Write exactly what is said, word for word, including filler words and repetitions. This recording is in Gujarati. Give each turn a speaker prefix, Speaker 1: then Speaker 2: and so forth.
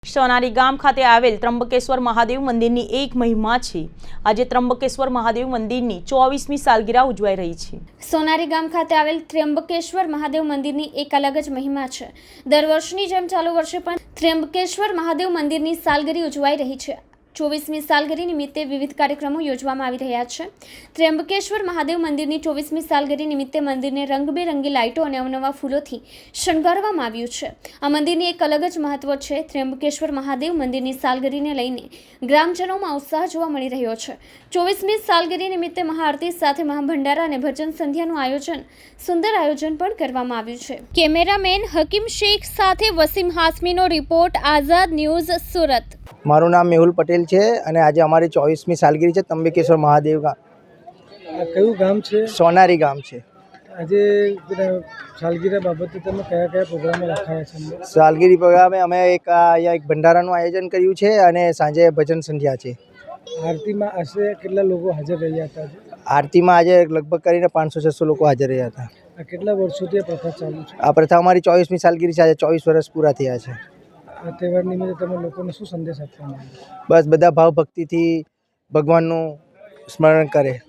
Speaker 1: સોનારી ગામ ખાતે આવેલ ત્રંબકેશ્વર મહાદેવ મંદિરની એક મહિમા છે। આજે ત્રંબકેશ્વર મહાદેવ મંદિરની ચોવીસમી સાલગીરા ઉજવાઈ રહી છે।
Speaker 2: સોનારી ગામ ખાતે આવેલ ત્રંબકેશ્વર મહાદેવ મંદિરની એક અલગ જ મહિમા છે। દર વર્ષની જેમ ચાલુ વર્ષે પણ ત્રંબકેશ્વર મહાદેવ મંદિરની સાલગીરી ઉજવાઈ રહી છે। ચોવીસમી સાલગીરી નિમિત્તે વિવિધ કાર્યક્રમો યોજવામાં આવી રહ્યા છે। ત્રંબકેશ્વર મહાદેવ મંદિરની ચોવીસમી સાલગીરી નિમિત્તે મંદિરને રંગબેરંગી લાઇટો અને અવનવા ફૂલોથી શણગારવામાં આવ્યું છે। આ મંદિરની એક અલગ જ મહત્વ છે। ત્રંબકેશ્વર મહાદેવ મંદિરની સાલગીરીને લઈને ગ્રામજનોમાં ઉત્સાહ જોવા મળી રહ્યો છે। ચોવીસમી સાલગીરી નિમિત્તે મહાઆરતી સાથે મહાભંડારા અને ભજન સંધ્યાનું આયોજન સુંદર આયોજન પણ કરવામાં આવ્યું છે। કેમેરામેન હકીમ શેખ સાથે વસીમ હાસમીનો રિપોર્ટ, આઝાદ ન્યૂઝ, સુરત।
Speaker 3: મારું નામ મેહુલ પટેલ છે અને આજે અમારી ચોવીસમી સાલગીરી છે ત્રંબકેશ્વર મહાદેવ ગામ।
Speaker 4: કયું ગામ છે?
Speaker 3: સોનારી ગામ છે।
Speaker 4: આજે સાલગીરા બાબતે તમે કયા કયા પ્રોગ્રામો રાખાયા છે?
Speaker 3: સાલગીરી પ્રોગ્રામે અમે એક અહીંયા એક ભંડારાનું આયોજન કર્યું છે અને સાંજે ભજન સંધ્યા છે।
Speaker 4: આરતીમાં આશરે કેટલા લોકો હાજર રહ્યા હતા?
Speaker 3: આરતીમાં આજે લગભગ કરીને પાંચસો છસો લોકો હાજર રહ્યા હતા।
Speaker 4: આ કેટલા વર્ષોથી આ પ્રથા ચાલુ છે?
Speaker 3: આ પ્રથા અમારી ચોવીસમી સાલગીરી છે। આજે ચોવીસ વર્ષ પૂરા થયા છે।
Speaker 4: આ તહેવાર નિમિત્તે તમે લોકોને શું સંદેશ આપવા માંગો?
Speaker 3: બસ બધા ભાવ ભક્તિથી ભગવાનનું સ્મરણ કરે।